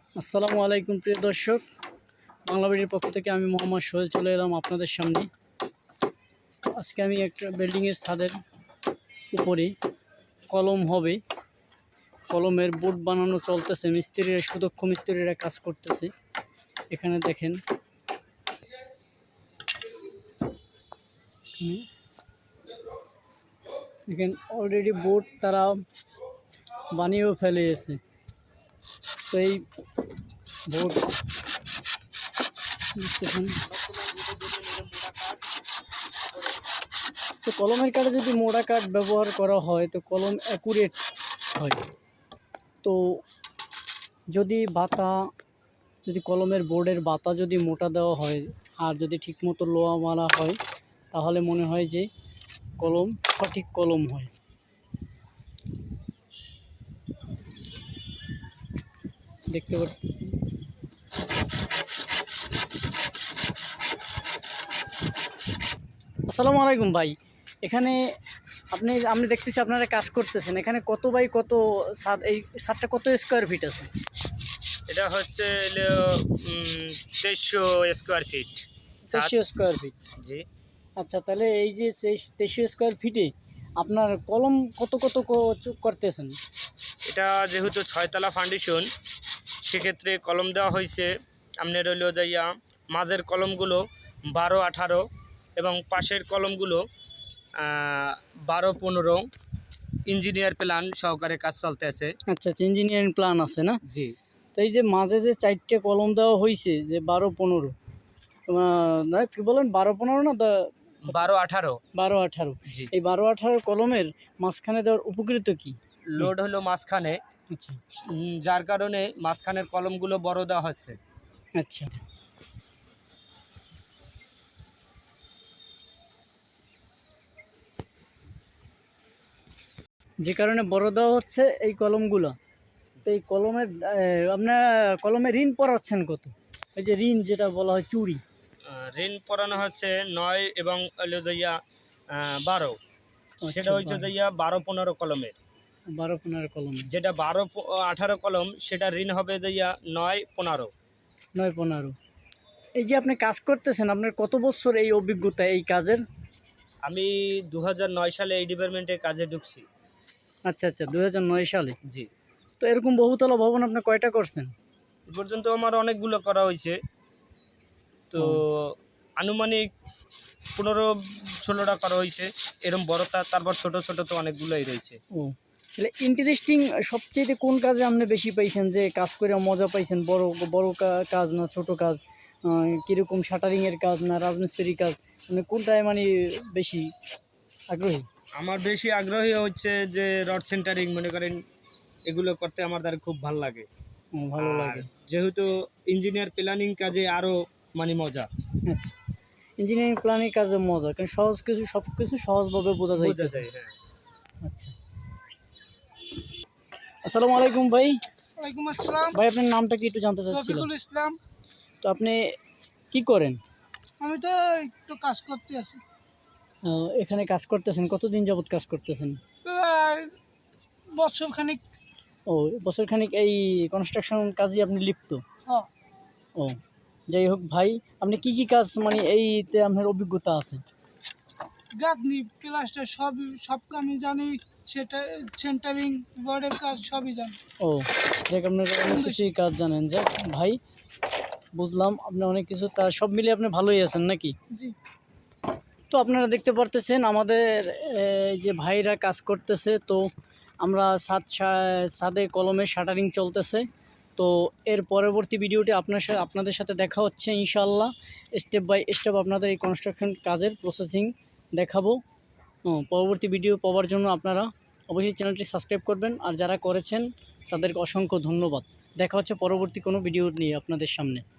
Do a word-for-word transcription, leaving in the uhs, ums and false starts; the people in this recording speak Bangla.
আসসালামু আলাইকুম প্রিয় দর্শক, বাংলাবাড়ির পক্ষ থেকে আমি মোহাম্মদ সোহেল চলে এলাম আপনাদের সামনে। আজকে আমি একটা বিল্ডিংয়ের ছাদের উপরে কলম হবে, কলমের বোর্ড বানানো চলতেছে। মিস্ত্রিরা, সুদক্ষ মিস্ত্রিরা কাজ করতেছে। এখানে দেখেন, দেখেন অলরেডি বোর্ড তারা বানিয়েও ফেলেছে। তো এই বোর্ড দেখতেছেন, তো কলমের কাঠে যদি মোড়া কাঠ ব্যবহার করা হয় তো কলম অ্যাকুরেট হয়। তো যদি বাতা, যদি কলমের বোর্ডের বাতা যদি মোটা দেওয়া হয় আর যদি ঠিকমতো লোহা মারা হয় তাহলে মনে হয় যে কলম সঠিক কলম হয়। দেখতে পাচ্ছেন, আসসালামু আলাইকুম ভাই। এখানে আপনি আমি দেখতেছি আপনারা কাজ করতেছেন। এখানে কত বাই কত ছাদ, এই ছাদটা কত স্কোয়ার ফিট আছে? এটা হচ্ছে তেইশশো স্কোয়ার ফিট। তেইশশো স্কোয়ার ফিট, জি। আচ্ছা, তাহলে এই যে তেইশশো স্কোয়ার ফিটে আপনার কলম কত কত করতেছেন? এটা যেহেতু ছয়তলা ফাউন্ডেশন, সেক্ষেত্রে কলম দেওয়া হয়েছে আপনার রইল যাইয়া মাঝের কলমগুলো বারো আঠারো এবং পাশের কলমগুলো বারো পনেরো। ইঞ্জিনিয়ার প্ল্যান সহকারে কাজ চলতে আছে। আচ্ছা আচ্ছা, ইঞ্জিনিয়ারিং প্ল্যান আছে না? জি। তো এই যে মাঝে যে চারটে কলম দেওয়া হয়েছে, যে বারো পনেরো না কি বলেন, বারো পনেরো না বারো আঠারো বারো আঠারো জি। এই বারো আঠারো কলমের মাঝখানে দেওয়ার উপকৃত কি? লোড হলো মাঝখানে, আচ্ছা, যার কারণে মাঝখানের কলমগুলো বড় দেওয়া হচ্ছে। আচ্ছা, যে কারণে বড় দেওয়া হচ্ছে এই কলমগুলো। তো এই কলমের আপনার কলমে ঋণ পড়াচ্ছেন কত? এই যে ঋণ যেটা বলা হয় চুরি, ঋণ পড়ানো হচ্ছে নয় এবং হলো যাইয়া বারো। সেটা হচ্ছে যাইয়া বারো পনেরো কলমের। বারো পনেরো কলম, যেটা বারো আঠারো কলম সেটা ঋণ হবে যাইয়া নয় পনেরো। নয় পনেরো। এই যে আপনি কাজ করতেছেন, আপনার কত বছর এই অভিজ্ঞতা এই কাজের? আমি দু হাজার নয় সালে এই ডিপার্টমেন্টে কাজে ঢুকছি। আচ্ছা আচ্ছা, দু হাজার নয় সালে। জি। তো এরকম বহুতলা ভবন আপনি কয়টা করছেন? এ পর্যন্ত আমার অনেকগুলো করা হয়েছে। তো আনুমানিক পনেরো ষোলোটা করা হয়েছে এরকম বড়টা, তারপর ছোট ছোট তো অনেকগুলোই রয়েছে। ও, তাহলে ইন্টারেস্টিং সবচেয়ে কোন কাজে আপনি বেশি পাইছেন, যে কাজ করে মজা পাইছেন? বড় বড় কাজ না ছোট কাজ? কীরকম শাটারিংয়ের কাজ না রাজমিস্ত্রির কাজ? মানে কোনটায় মানে বেশি আগ্রহী? আমার বেশি আগ্রহী হচ্ছে যে রড সেন্টারিং, মনে করেন এগুলো করতে আমার দ্বারা খুব ভালো লাগে। ভালো লাগে, যেহেতু ইঞ্জিনিয়ার প্ল্যানিং কাজে আরও মানে মজা। আচ্ছা, ইঞ্জিনিয়ারিং প্ল্যানিং কাজে মজা, কারণ সহজ কিছু, সব কিছু সহজভাবে বোঝা যায়। হ্যাঁ। আচ্ছা, আসসালামু আলাইকুম ভাই। ওয়ালাইকুম আসসালাম ভাই, আপনার নামটা কি একটু জানতে চাচ্ছিলাম? রফিকুল ইসলাম। তো আপনি কি করেন? আমি তো একটু কাজ করতে আছি। এখানে কাজ করতেছেন কতদিন যাবত কাজ করতেছেন? প্রায় বছর খানিক। ও, বছর খানিক এই কনস্ট্রাকশন কাজে আপনি লিপ্ত? হ্যাঁ। ও, যাই হোক ভাই, আপনি কি কি কাজ মানে এইতে আপনার অভিজ্ঞতা আছে? গাঁথনি প্লাস্টার সব সব আমি জানি, সেটা সেন্টারিং রডের কাজ সবই জানি। ও, যাক, আপনার অনেক কিছুই কাজ জানেন। যাক ভাই, বুঝলাম আপনি অনেক কিছু, তা সব মিলিয়ে আপনি ভালোই আছেন নাকি? জি। তো আপনারা দেখতে পারতেছেন আমাদের যে ভাইরা কাজ করতেছে। তো আমরা ছাদ ছাদে কলমে শাটারিং চলতেছে। তো এর পরবর্তী ভিডিওটি আপনার সাথে আপনাদের সাথে দেখা হচ্ছে ইনশাআল্লাহ। স্টেপ বাই স্টেপ আপনাদের এই কনস্ট্রাকশন কাজের প্রসেসিং দেখাবো। পরবর্তী ভিডিও পাওয়ার জন্য আপনারা অবশ্যই চ্যানেলটি সাবস্ক্রাইব করবেন, আর যারা করেছেন তাদেরকে অসংখ্য ধন্যবাদ। দেখা হচ্ছে পরবর্তী কোনো ভিডিও নিয়ে আপনাদের সামনে।